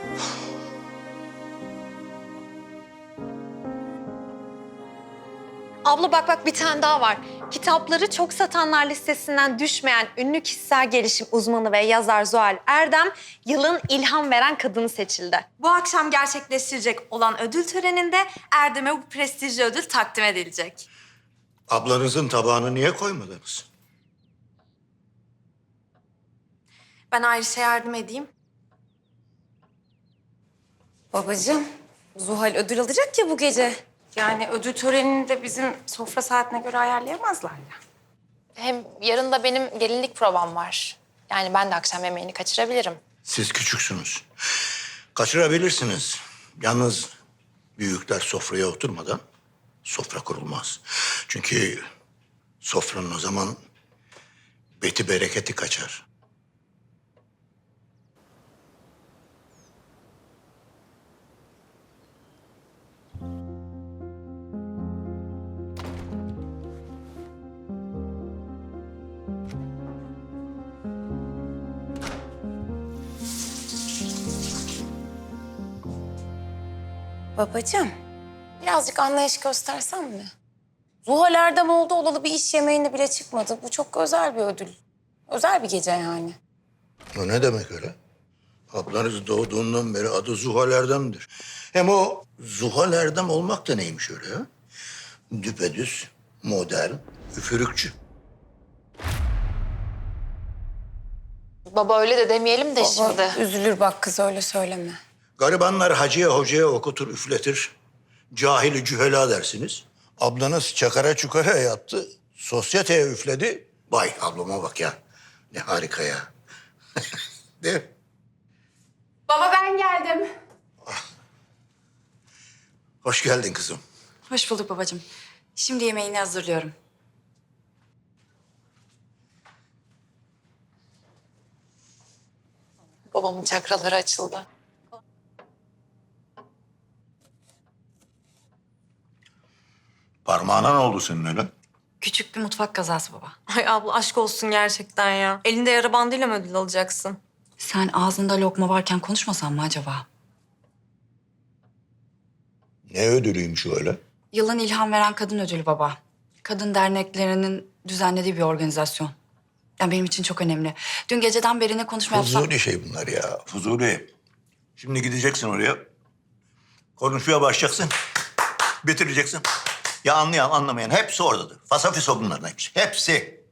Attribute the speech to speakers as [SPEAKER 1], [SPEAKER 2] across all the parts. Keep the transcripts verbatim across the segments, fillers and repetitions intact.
[SPEAKER 1] Abla bak bak bir tane daha var. Kitapları çok satanlar listesinden düşmeyen ünlü kişisel gelişim uzmanı ve yazar Zuhal Erdem yılın ilham veren kadını seçildi. Bu akşam gerçekleştirecek olan ödül töreninde Erdem'e bu prestijli ödül takdim edilecek.
[SPEAKER 2] Ablanızın tabağını niye koymadınız?
[SPEAKER 1] Ben Ayşe'ye yardım edeyim.
[SPEAKER 3] Babacığım, Zuhal ödül alacak ya bu gece. Yani ödül törenini de bizim sofra saatine göre ayarlayamazlar ya.
[SPEAKER 4] Hem yarın da benim gelinlik provam var. Yani ben de akşam yemeğini kaçırabilirim.
[SPEAKER 2] Siz küçüksünüz. Kaçırabilirsiniz. Yalnız büyükler sofraya oturmadan sofra kurulmaz. Çünkü sofranın o zaman beti bereketi kaçar.
[SPEAKER 3] Babacığım, birazcık anlayış göstersen mi? Zuhal Erdem oldu olalı bir iş yemeğinde bile çıkmadı. Bu çok özel bir ödül. Özel bir gece yani.
[SPEAKER 2] O ne demek öyle? Ablanız doğduğundan beri adı Zuhal Erdem'dir. Hem o Zuhal Erdem olmak da neymiş öyle ya? Düpedüz, modern, üfürükçü.
[SPEAKER 4] Baba öyle de demeyelim de şimdi.
[SPEAKER 3] Baba, üzülür bak kız öyle söyleme.
[SPEAKER 2] Garibanlar hacıya hocaya okutur, üfletir. Cahili cühela dersiniz. Ablanız çakara çukara yattı. Sosyeteye üfledi. Vay ablama bak ya. Ne harika ya. Değil mi?
[SPEAKER 5] Baba ben geldim.
[SPEAKER 2] Hoş geldin kızım.
[SPEAKER 5] Hoş bulduk babacığım. Şimdi yemeğini hazırlıyorum.
[SPEAKER 4] Babamın çakraları açıldı.
[SPEAKER 2] Parmağına ne oldu senin öyle?
[SPEAKER 5] Küçük bir mutfak kazası baba.
[SPEAKER 1] Ay abla aşk olsun gerçekten ya. Elinde yara bandıyla mı ödül alacaksın?
[SPEAKER 5] Sen ağzında lokma varken konuşmasan mı acaba?
[SPEAKER 2] Ne ödülüymüş o öyle?
[SPEAKER 5] Yılın ilham veren kadın ödülü baba. Kadın derneklerinin düzenlediği bir organizasyon. Yani benim için çok önemli. Dün geceden beri ne konuşma yapsam...
[SPEAKER 2] Fuzuli şey bunlar ya. Fuzuli. Şimdi gideceksin oraya. Konuşmaya başlayacaksın. Bitireceksin. Ya anlayan anlamayan hepsi oradadır. Fasafiso bunların hepsi. Hepsi.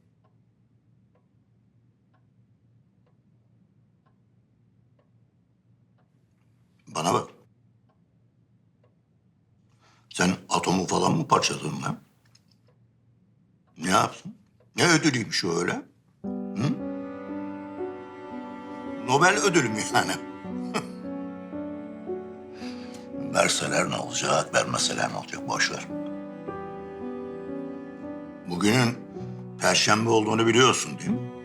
[SPEAKER 2] Bana bak. Sen atomu falan mı parçaladın lan? Ne yaptın? Ne ödülüymüş o öyle? Hı? Nobel ödülü mü yani? Verseler ne olacak, vermeseler ne olacak? Boş ver. Bugünün Perşembe olduğunu biliyorsun değil mi?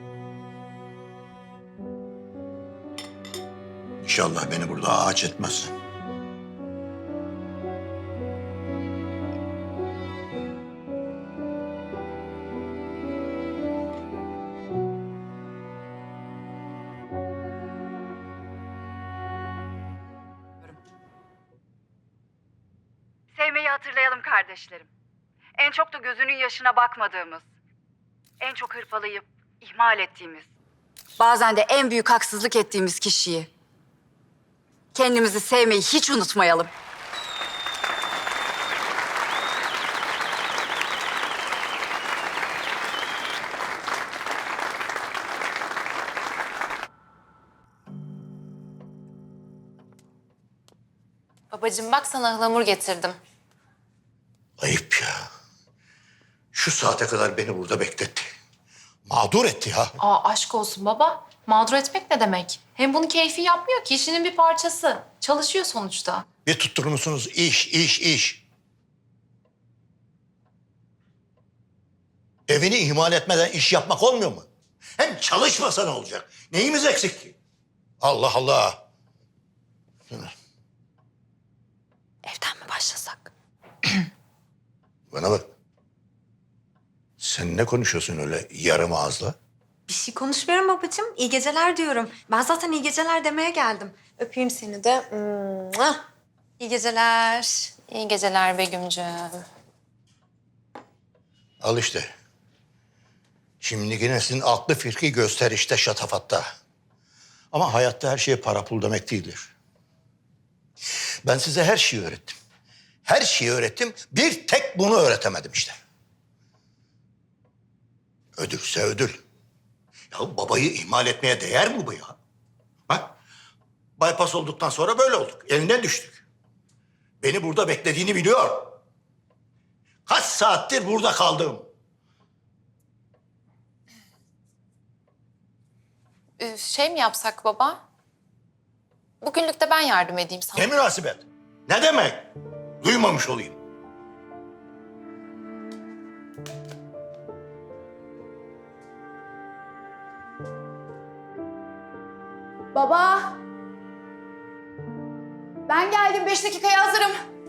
[SPEAKER 2] İnşallah beni burada ağaç etmezsin.
[SPEAKER 6] Sevmeyi hatırlayalım kardeşlerim. En çok da gözünün yaşına bakmadığımız, en çok hırpalayıp ihmal ettiğimiz.
[SPEAKER 5] Bazen de en büyük haksızlık ettiğimiz kişiyi. Kendimizi sevmeyi hiç unutmayalım.
[SPEAKER 4] Babacığım bak sana ıhlamur getirdim.
[SPEAKER 2] Ayıp ya. Şu saate kadar beni burada bekletti. Mağdur etti ya.
[SPEAKER 4] Aa aşk olsun baba. Mağdur etmek ne demek? Hem bunu keyfi yapmıyor ki işinin bir parçası. Çalışıyor sonuçta.
[SPEAKER 2] Bir tutturur musunuz? İş, iş, iş. Evini ihmal etmeden iş yapmak olmuyor mu? Hem çalışmasa ne olacak? Neyimiz eksik ki? Allah Allah.
[SPEAKER 5] Evden mi başlasak?
[SPEAKER 2] Bana bak. Sen ne konuşuyorsun öyle yarım ağızla?
[SPEAKER 1] Bir şey konuşmuyorum babacığım. İyi geceler diyorum. Ben zaten iyi geceler demeye geldim. Öpeyim seni de. Mua. İyi geceler.
[SPEAKER 3] İyi geceler Begüm'cüğüm.
[SPEAKER 2] Al işte. Şimdiki neslin aklı fikri gösterişte, şatafatta. Ama hayatta her şey para pul demek değildir. Ben size her şeyi öğrettim. Her şeyi öğrettim. Bir tek bunu öğretemedim işte. Ödülse ödül. Ya babayı ihmal etmeye değer mi bu ya? Bak, bypass olduktan sonra böyle olduk. Eline düştük. Beni burada beklediğini biliyor. Kaç saattir burada kaldım.
[SPEAKER 3] Ee, şey mi yapsak baba? Bugünlük de ben yardım edeyim sana.
[SPEAKER 2] Ne münasebet? Ne demek? Duymamış olayım.
[SPEAKER 6] Baba. Ben geldim. Beş dakikaya hazırım.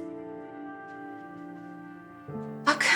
[SPEAKER 3] Bak.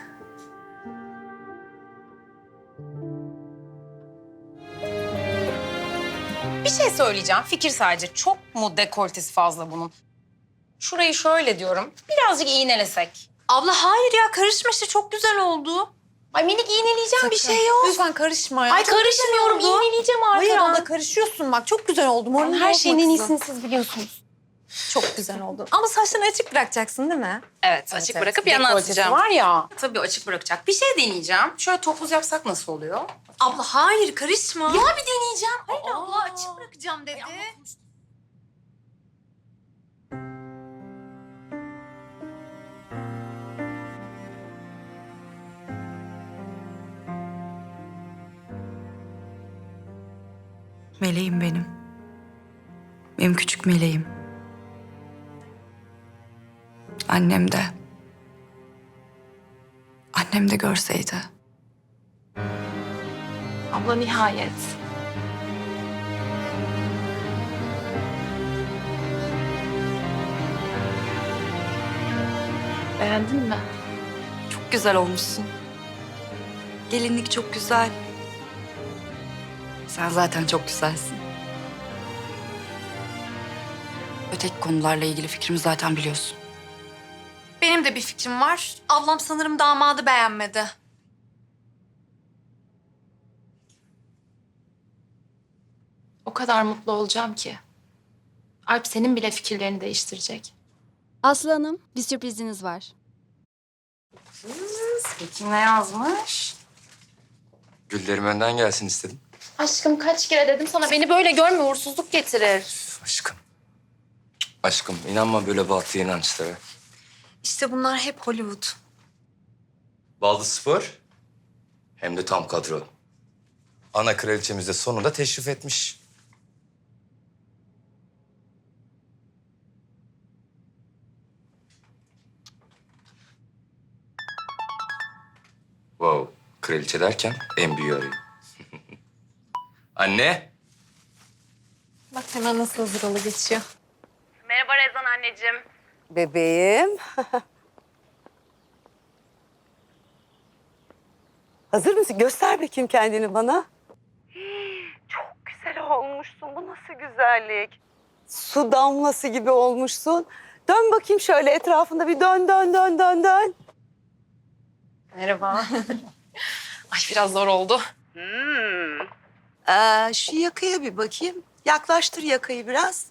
[SPEAKER 3] Bir şey söyleyeceğim. Fikir sadece. Çok mu dekoltesi fazla bunun? Şurayı şöyle diyorum. Birazcık iğnelesek.
[SPEAKER 1] Abla hayır ya, karışma işte, çok güzel oldu.
[SPEAKER 3] Ay minik iğneleyeceğim bir şey yok.
[SPEAKER 1] Lütfen karışma ya.
[SPEAKER 3] Ay
[SPEAKER 1] Çok güzel
[SPEAKER 3] karışmıyorum.
[SPEAKER 1] oldu.
[SPEAKER 3] İğneleyeceğim arkadan.
[SPEAKER 1] Hayır abla, karışıyorsun bak, çok güzel oldu. Moralini
[SPEAKER 3] Her
[SPEAKER 1] bozma
[SPEAKER 3] şeyin en
[SPEAKER 1] kızım.
[SPEAKER 3] iyisini siz biliyorsunuz.
[SPEAKER 1] Çok güzel oldu. Ama saçlarını açık bırakacaksın değil mi?
[SPEAKER 3] Evet, açık
[SPEAKER 1] evet.
[SPEAKER 3] bırakıp yana
[SPEAKER 1] Dekoltesi
[SPEAKER 3] atacağım.
[SPEAKER 1] var
[SPEAKER 3] ya. Tabii açık bırakacak. Bir şey deneyeceğim. Şöyle topuz yapsak nasıl oluyor?
[SPEAKER 1] Abla hayır, karışma.
[SPEAKER 3] Ya bir deneyeceğim.
[SPEAKER 1] Hayır
[SPEAKER 3] Aa.
[SPEAKER 1] abla, açık bırakacağım dedi.
[SPEAKER 5] Meleğim benim. Benim küçük meleğim. Annem de. Annem de görseydi.
[SPEAKER 4] Abla nihayet. Beğendin mi?
[SPEAKER 5] Çok güzel olmuşsun. Gelinlik çok güzel. Sen zaten çok güzelsin. Öteki konularla ilgili fikrimi zaten biliyorsun.
[SPEAKER 1] Benim de bir fikrim var. Ablam sanırım damadı beğenmedi.
[SPEAKER 4] O kadar mutlu olacağım ki. Alp senin bile fikirlerini değiştirecek.
[SPEAKER 7] Aslı Hanım, bir sürpriziniz var.
[SPEAKER 3] Peki ne yazmış?
[SPEAKER 8] Güllerim önden gelsin istedim.
[SPEAKER 4] Aşkım kaç kere dedim sana, beni böyle görme, uğursuzluk getirir.
[SPEAKER 8] Aşkım. Aşkım inanma böyle batı inançlara.
[SPEAKER 1] İşte bunlar hep Hollywood.
[SPEAKER 8] Baldız Spor hem de tam kadro. Ana kraliçemiz de sonunda teşrif etmiş. Wow, kraliçe derken en büyüğü arıyor. Anne.
[SPEAKER 1] Bak hemen nasıl hazır olu geçiyor.
[SPEAKER 6] Merhaba Rezan anneciğim.
[SPEAKER 9] Bebeğim. Hazır mısın? Göster bakayım kendini bana. Çok güzel olmuşsun. Bu nasıl güzellik? Su damlası gibi olmuşsun. Dön bakayım şöyle etrafında bir dön dön dön dön dön.
[SPEAKER 3] Merhaba. Ay biraz zor oldu.
[SPEAKER 9] Hmm. Ee, şu yakaya bir bakayım. Yaklaştır yakayı biraz.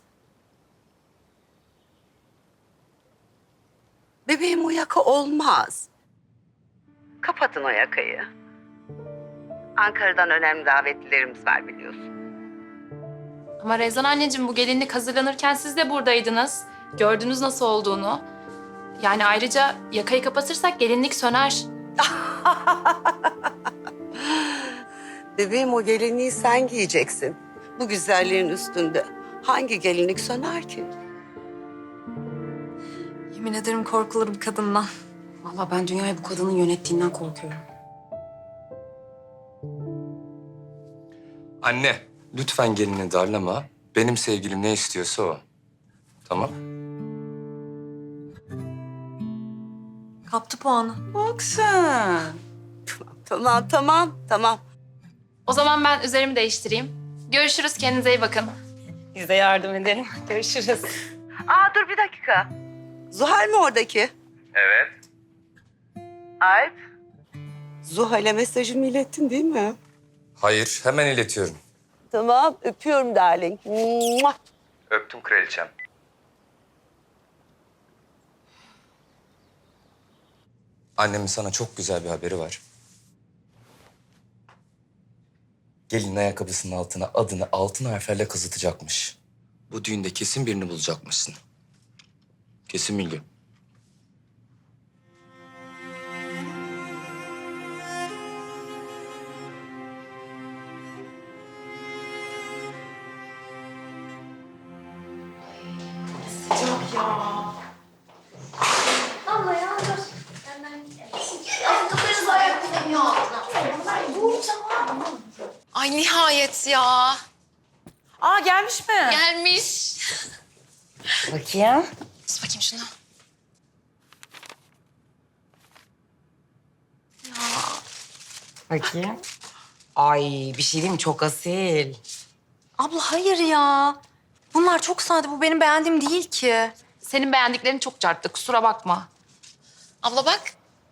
[SPEAKER 9] Bebeğim o yaka olmaz. Kapatın o yakayı. Ankara'dan önemli davetlilerimiz var biliyorsun.
[SPEAKER 4] Ama Rezan anneciğim, bu gelinlik hazırlanırken siz de buradaydınız. Gördünüz nasıl olduğunu. Yani ayrıca yakayı kapatırsak gelinlik söner.
[SPEAKER 9] Bebeğim o gelinliği sen giyeceksin. Bu güzelliğin üstünde hangi gelinlik söner ki?
[SPEAKER 1] Yemin ederim korkulur bir kadından.
[SPEAKER 3] Vallahi ben dünyayı bu kadının yönettiğinden korkuyorum.
[SPEAKER 8] Anne, lütfen gelini darlama. Benim sevgilim ne istiyorsa o. Tamam?
[SPEAKER 1] Kaptı puanı.
[SPEAKER 9] Bak sen. Tamam, tamam, tamam, tamam.
[SPEAKER 4] O zaman ben üzerimi değiştireyim. Görüşürüz, kendinize iyi bakın.
[SPEAKER 3] Biz de yardım edelim. Görüşürüz.
[SPEAKER 9] Aa dur bir dakika. Zuhal mi oradaki?
[SPEAKER 8] Evet.
[SPEAKER 9] Alp. Zuhal'e mesajımı ilettin değil mi?
[SPEAKER 8] Hayır, hemen iletiyorum.
[SPEAKER 9] Tamam, öpüyorum darling. Mua.
[SPEAKER 8] Öptüm kraliçem. Annemin sana çok güzel bir haberi var. Gelin ayakkabısının altına adını altın harflerle kazıtacakmış. Bu düğünde kesin birini bulacakmışsın. Kesin bilgi.
[SPEAKER 1] Ay nihayet ya.
[SPEAKER 3] Aa gelmiş mi?
[SPEAKER 1] Gelmiş.
[SPEAKER 3] Bakayım.
[SPEAKER 1] Tut bakayım şunu.
[SPEAKER 3] Bakayım. Ay bir şey diyeyim mi? Çok asil.
[SPEAKER 1] Abla hayır ya. Bunlar çok sade. Bu benim beğendiğim değil ki.
[SPEAKER 4] Senin beğendiklerin çok çarptı, kusura bakma.
[SPEAKER 1] Abla bak.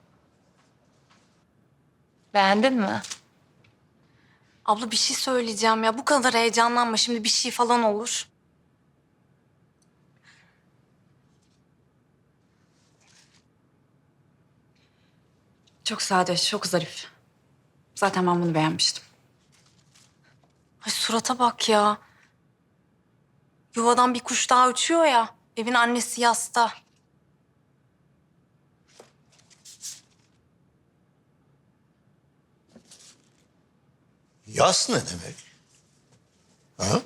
[SPEAKER 4] Beğendin mi?
[SPEAKER 1] Abla bir şey söyleyeceğim ya. Bu kadar heyecanlanma. Şimdi bir şey falan olur.
[SPEAKER 5] Çok sade, çok zarif. Zaten ben bunu beğenmiştim.
[SPEAKER 1] Ay surata bak ya. Yuvadan bir kuş daha uçuyor ya. Evin annesi yasta.
[SPEAKER 2] Yas ne demek? Ha?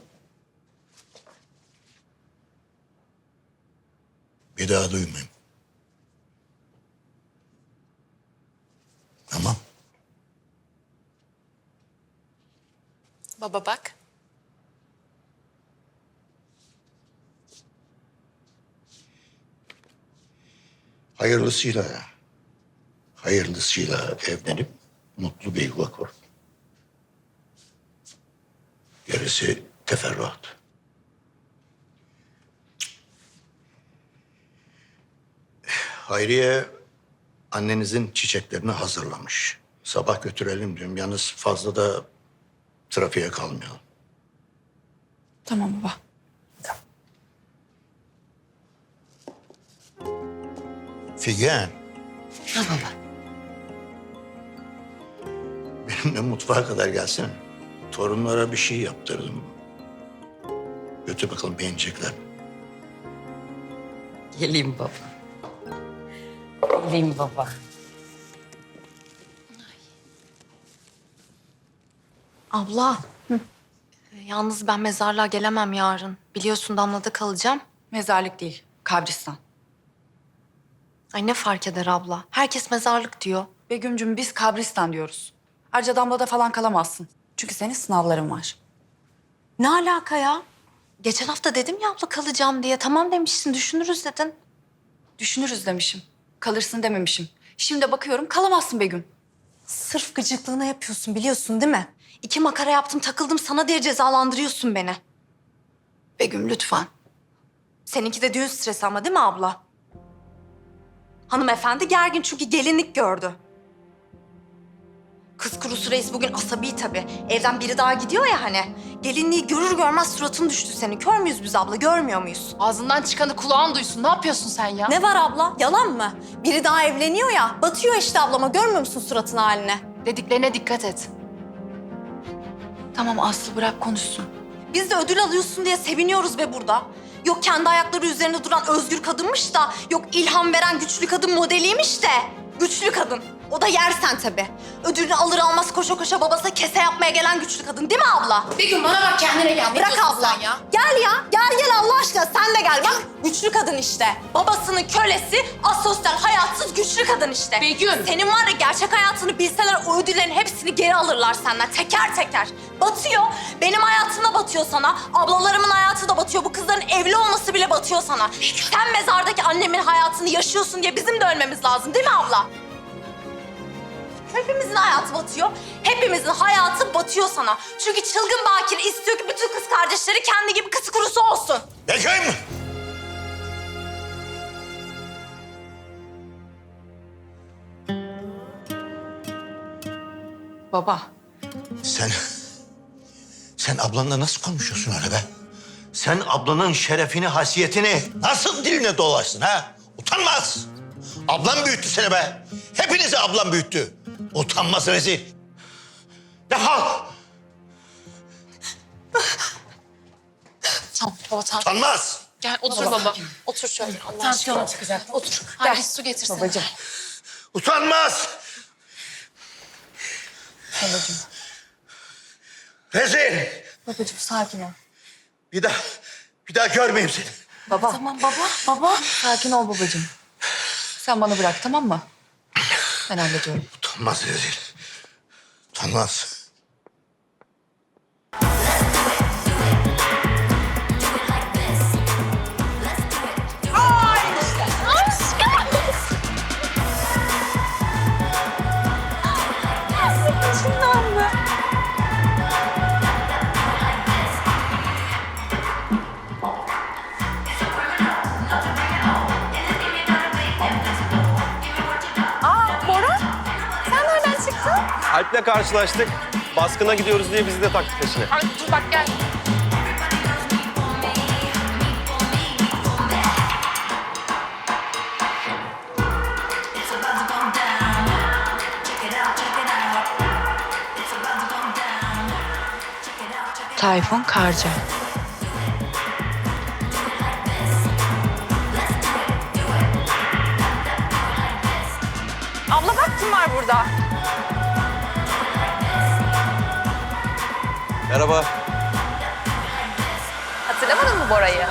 [SPEAKER 2] Bir daha duymayayım. Tamam.
[SPEAKER 1] Baba bak.
[SPEAKER 2] Hayırlısıyla, hayırlısıyla evlenip mutlu bir yuva kur. Gerisi teferruat. Hayriye annenizin çiçeklerini hazırlamış. Sabah götürelim diyorum. Yalnız fazla da trafiğe kalmayalım.
[SPEAKER 5] Tamam baba.
[SPEAKER 2] Figen.
[SPEAKER 3] Ha baba.
[SPEAKER 2] Benimle mutfağa kadar gelsene. Torunlara bir şey yaptırdım. Götür bakalım beğenecekler mi?
[SPEAKER 3] Geleyim baba. Geleyim baba.
[SPEAKER 1] Abla. Ee, Yalnız ben mezarlığa gelemem yarın. Biliyorsun Damla'da kalacağım.
[SPEAKER 5] Mezarlık değil, kabristan.
[SPEAKER 1] Ay ne fark eder abla? Herkes mezarlık diyor.
[SPEAKER 5] Begüm'cüm biz kabristan diyoruz. Ayrıca Damla'da falan kalamazsın. Çünkü senin sınavların var.
[SPEAKER 1] Ne alaka ya? Geçen hafta dedim ya abla kalacağım diye. Tamam demişsin, düşünürüz dedin.
[SPEAKER 5] Düşünürüz demişim. Kalırsın dememişim. Şimdi bakıyorum kalamazsın Begüm.
[SPEAKER 1] Sırf gıcıklığına yapıyorsun biliyorsun değil mi? İki makara yaptım takıldım sana diye cezalandırıyorsun beni.
[SPEAKER 5] Begüm lütfen.
[SPEAKER 1] Seninki de düğün stresi ama değil mi abla? Hanımefendi gergin çünkü gelinlik gördü. Kız kurusu reis bugün asabi tabii. Evden biri daha gidiyor ya hani. Gelinliği görür görmez suratın düştü senin. Kör müyüz biz abla, görmüyor muyuz?
[SPEAKER 4] Ağzından çıkanı kulağın duysun. Ne yapıyorsun sen ya?
[SPEAKER 1] Ne var abla? Yalan mı? Biri daha evleniyor ya. Batıyor işte ablama. Görmüyor musun suratın haline?
[SPEAKER 4] Dediklerine dikkat et.
[SPEAKER 5] Tamam Aslı bırak konuşsun.
[SPEAKER 1] Biz de ödül alıyorsun diye seviniyoruz be burada. Yok kendi ayakları üzerinde duran özgür kadınmış da... yok ilham veren güçlü kadın modeliymiş de. Güçlü kadın. O da yersen tabii. Ödülünü alır almaz koşa koşa babasına kese yapmaya gelen güçlü kadın değil mi abla?
[SPEAKER 4] Begüm bana bak, kendine gel. Ne
[SPEAKER 1] Bırak
[SPEAKER 4] diyorsun
[SPEAKER 1] abla.
[SPEAKER 4] sen ya?
[SPEAKER 1] Gel ya. Gel gel Allah aşkına sen de gel. Bak güçlü kadın işte. Babasının kölesi, asosyal, hayatsız güçlü kadın işte.
[SPEAKER 4] Begüm.
[SPEAKER 1] Senin var ya gerçek hayatını bilseler o ödüllerin hepsini geri alırlar senden teker teker. Batıyor. Benim hayatım da batıyor sana. Ablalarımın hayatı da batıyor. Bu kızların evli olması bile batıyor sana. Sen mezardaki annemin hayatını yaşıyorsun diye bizim de ölmemiz lazım değil mi abla?
[SPEAKER 3] Hepimizin hayatı batıyor. Hepimizin hayatı batıyor sana. Çünkü çılgın Bakir istiyor ki bütün kız kardeşleri kendi gibi kız kurusu olsun.
[SPEAKER 2] Begüm!
[SPEAKER 5] Baba.
[SPEAKER 2] Sen... Sen ablanla nasıl konuşuyorsun öyle be? Sen ablanın şerefini, hasiyetini nasıl diline dolaşsın ha? Utanmaz! Ablam büyüttü seni be. Hepinizi ablam büyüttü. Utanmaz rezil. Defol!
[SPEAKER 4] Tamam baba tamam.
[SPEAKER 2] Utanmaz!
[SPEAKER 4] Gel otur baba. Otur şöyle. Allah aşkına. Çıkacak. Otur. Gel. Bir su getirsene. Babacığım.
[SPEAKER 2] Utanmaz!
[SPEAKER 5] Babacığım.
[SPEAKER 2] Rezil!
[SPEAKER 5] Babacığım sakin ol.
[SPEAKER 2] Bir daha, bir daha görmeyeyim seni.
[SPEAKER 5] Baba.
[SPEAKER 3] Tamam baba, baba.
[SPEAKER 5] Sakin ol babacığım. Sen bana bırak tamam mı? Ben hallediyorum.
[SPEAKER 2] Utanmaz rezil. Utanmaz.
[SPEAKER 10] Alp'le karşılaştık. Baskına gidiyoruz diye bizi de taktı peşine.
[SPEAKER 4] Ay dur bak gel.
[SPEAKER 5] Tayfun Karca.
[SPEAKER 3] Abla bak kim var burada.
[SPEAKER 10] Merhaba.
[SPEAKER 3] Hatırlamadın mı Bora'yı?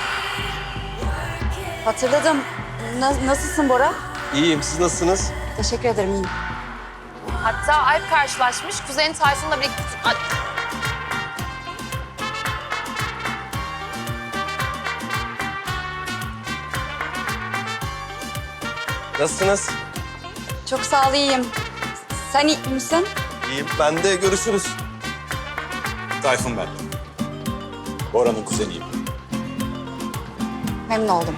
[SPEAKER 5] Hatırladım. Na- nasılsın Bora?
[SPEAKER 10] İyiyim. Siz nasılsınız?
[SPEAKER 5] Teşekkür ederim iyiyim.
[SPEAKER 4] Hatta Alp karşılaşmış. Kuzeni Tayfun'la birlikte... Ay,
[SPEAKER 10] Nasılsınız?
[SPEAKER 5] Çok sağ ol iyiyim. Sen iyi misin?
[SPEAKER 10] İyiyim. Ben de görüşürüz.
[SPEAKER 11] Tayfun ben. Bora'nın kuzeniyim.
[SPEAKER 5] Memnun oldum.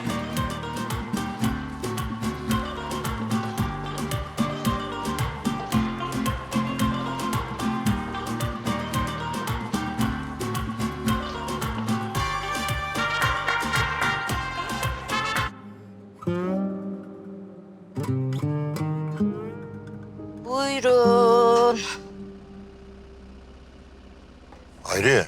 [SPEAKER 3] Buyurun.
[SPEAKER 2] Hayriye.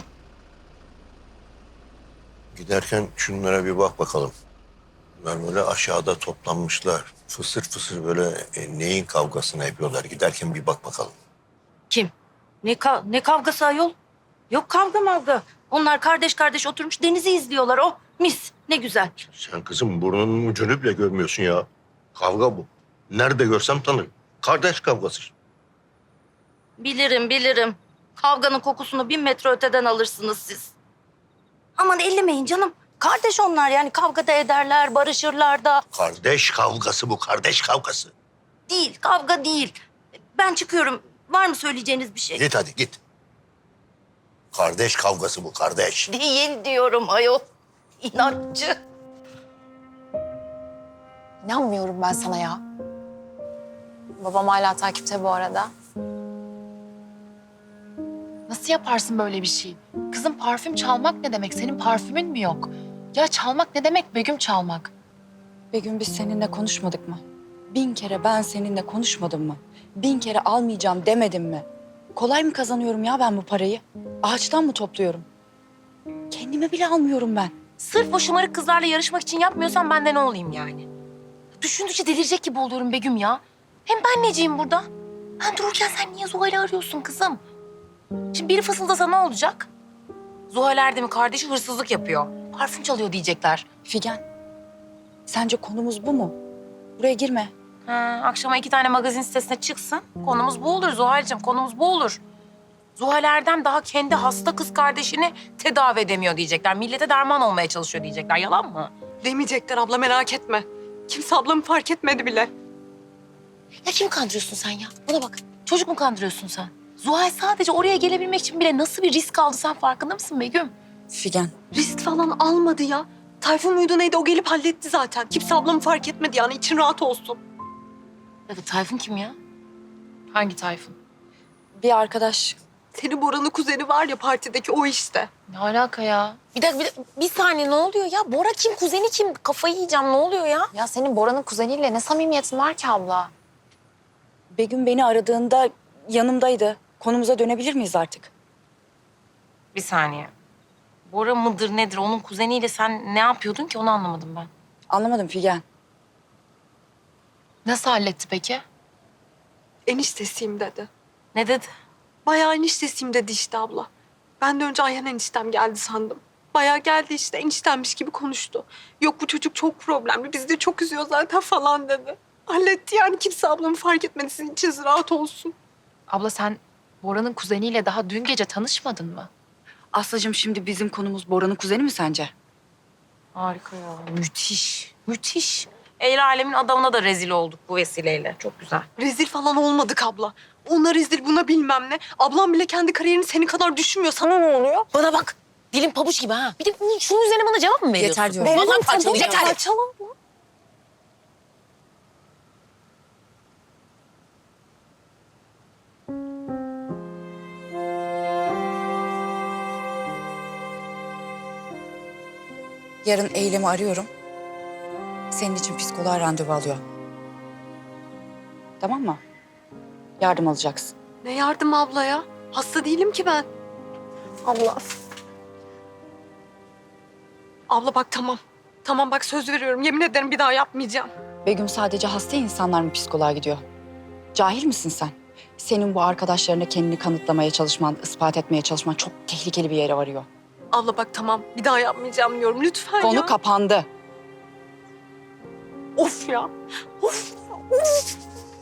[SPEAKER 2] Giderken şunlara bir bak bakalım. Bunlar böyle aşağıda toplanmışlar. Fısır fısır böyle e, neyin kavgasını yapıyorlar. Giderken bir bak bakalım.
[SPEAKER 12] Kim? Ne, ka- ne kavgası ayol? Yok kavga mavga. Onlar kardeş kardeş oturmuş denizi izliyorlar. Oh mis ne güzel.
[SPEAKER 2] Sen kızım burnunun ucunu bile görmüyorsun ya. Kavga bu. Nerede görsem tanırım. Kardeş kavgası.
[SPEAKER 12] Bilirim bilirim. Kavganın kokusunu bin metre öteden alırsınız siz. Aman ellemeyin canım. Kardeş onlar yani kavga da ederler, barışırlar da.
[SPEAKER 2] Kardeş kavgası bu, kardeş kavgası.
[SPEAKER 12] Değil, kavga değil. Ben çıkıyorum. Var mı söyleyeceğiniz bir şey?
[SPEAKER 2] Git hadi git. Kardeş kavgası bu, kardeş.
[SPEAKER 12] Değil diyorum ayol. İnatçı.
[SPEAKER 3] İnanmıyorum ben sana ya. Babam hala takipte bu arada.
[SPEAKER 4] nasıl yaparsın böyle bir şey? Kızım parfüm çalmak ne demek? Senin parfümün mü yok? Ya çalmak ne demek Begüm çalmak?
[SPEAKER 5] Begüm biz seninle konuşmadık mı? Bin kere ben seninle konuşmadım mı? Bin kere almayacağım demedim mi? Kolay mı kazanıyorum ya ben bu parayı? Ağaçtan mı topluyorum? Kendime bile almıyorum ben.
[SPEAKER 12] Sırf o şımarık kızlarla yarışmak için yapmıyorsan ben de ne olayım yani? Düşündükçe delirecek gibi oluyorum Begüm ya. Hem ben neciyim burada? Ben dururken sen niye Zuhal'i arıyorsun kızım? Şimdi biri fısıldasa ne olacak? Zuhal Erdem'in kardeşi hırsızlık yapıyor. Parfüm çalıyor diyecekler.
[SPEAKER 5] Figen, sence konumuz bu mu? Buraya girme.
[SPEAKER 12] Ha, akşama iki tane magazin sitesine çıksın. Konumuz bu olur Zuhal'cığım, konumuz bu olur. Zuhal Erdem daha kendi hasta kız kardeşini tedavi edemiyor diyecekler. Millete derman olmaya çalışıyor diyecekler. Yalan mı?
[SPEAKER 9] Demeyecekler abla merak etme. Kimse ablamı fark etmedi bile.
[SPEAKER 12] Ya kimi kandırıyorsun sen ya? Bana bak. Çocuk mu kandırıyorsun sen? Zuhal sadece oraya gelebilmek için bile nasıl bir risk aldı sen farkında mısın Begüm?
[SPEAKER 5] Figen,
[SPEAKER 1] Risk falan almadı ya. Tayfun muydu neydi o gelip halletti zaten. Kimse ablamı fark etmedi yani için rahat olsun.
[SPEAKER 12] Ya da Tayfun kim ya?
[SPEAKER 4] Hangi Tayfun?
[SPEAKER 5] bir arkadaş
[SPEAKER 1] Senin Bora'nın kuzeni var ya partideki o işte.
[SPEAKER 12] Ne alaka ya? Bir dakika bir, dakika, bir saniye ne oluyor ya? Bora kim? Kuzeni kim? Kafayı yiyeceğim ne oluyor ya?
[SPEAKER 3] Ya senin Bora'nın kuzeniyle ne samimiyetin var ki abla?
[SPEAKER 5] Begüm beni aradığında yanımdaydı. Konumuza dönebilir miyiz artık?
[SPEAKER 12] Bir saniye. Bora mıdır nedir? Onun kuzeniyle sen ne yapıyordun ki onu anlamadım ben.
[SPEAKER 5] Anlamadım Figen.
[SPEAKER 4] Nasıl halletti peki?
[SPEAKER 1] Eniştesiyim dedi.
[SPEAKER 12] Ne dedi?
[SPEAKER 1] Bayağı eniştesiyim dedi işte abla. Ben de önce Ayhan eniştem geldi sandım. Bayağı geldi işte eniştemmiş gibi konuştu. Yok bu çocuk çok problemli, bizi de çok üzüyor zaten falan dedi. Halletti yani kimse ablamı fark etmedi, sizin içiniz rahat olsun.
[SPEAKER 4] Abla sen Bora'nın kuzeniyle daha dün gece tanışmadın mı?
[SPEAKER 5] Aslıcığım şimdi bizim konumuz Bora'nın kuzeni mi sence?
[SPEAKER 12] Harika ya. Müthiş. Müthiş. El alemin adamına da rezil olduk bu vesileyle. Çok güzel.
[SPEAKER 1] Rezil falan olmadık abla. Ona rezil buna bilmem ne. Ablam bile kendi kariyerini senin kadar düşünmüyor. Sana ne oluyor?
[SPEAKER 12] Bana bak. Dilim pabuç gibi ha. Bir de bunun- şunun üzerine bana cevap mı veriyorsun?
[SPEAKER 5] Yeter diyorum.
[SPEAKER 12] Vallahi
[SPEAKER 1] Verelim tabii.
[SPEAKER 12] parçalayacağım.
[SPEAKER 1] Yeter. Parçalan.
[SPEAKER 5] Yarın Eylem'i arıyorum. Senin için psikoloğa randevu alıyor. Tamam mı? Yardım alacaksın.
[SPEAKER 1] Ne yardım abla ya? Hasta değilim ki ben. Abla. Abla bak tamam. Tamam bak söz veriyorum. Yemin ederim bir daha yapmayacağım.
[SPEAKER 5] Begüm sadece hasta insanlar mı psikoloğa gidiyor? Cahil misin sen? Senin bu arkadaşlarına kendini kanıtlamaya çalışman, ispat etmeye çalışman çok tehlikeli bir yere varıyor.
[SPEAKER 1] Abla bak tamam. Bir daha yapmayacağım diyorum. Lütfen
[SPEAKER 5] Konu
[SPEAKER 1] ya.
[SPEAKER 5] kapandı.
[SPEAKER 1] Of ya. Of. Of.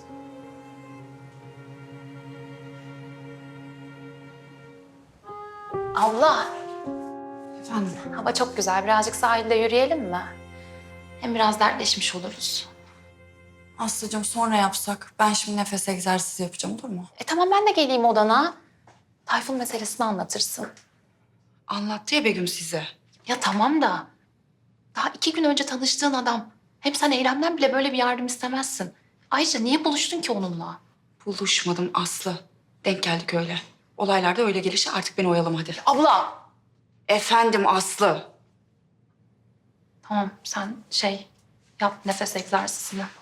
[SPEAKER 4] Abla,
[SPEAKER 5] Efendim?
[SPEAKER 4] hava çok güzel. Birazcık sahilde yürüyelim mi? Hem biraz dertleşmiş oluruz.
[SPEAKER 5] Aslıcığım sonra yapsak. Ben şimdi nefes egzersizi yapacağım olur mu?
[SPEAKER 4] E tamam ben de geleyim odana. Tayfun meselesini anlatırsın.
[SPEAKER 5] Anlattı ya Begüm size.
[SPEAKER 4] Ya tamam da daha iki gün önce tanıştığın adam. Hem sen Eylem'den bile böyle bir yardım istemezsin. Ayrıca niye buluştun ki onunla?
[SPEAKER 5] Buluşmadım Aslı. Denk geldik öyle. Olaylarda öyle gelişi artık beni oyalama hadi.
[SPEAKER 4] Abla.
[SPEAKER 5] Efendim Aslı.
[SPEAKER 4] Tamam sen şey yap nefes egzersizini.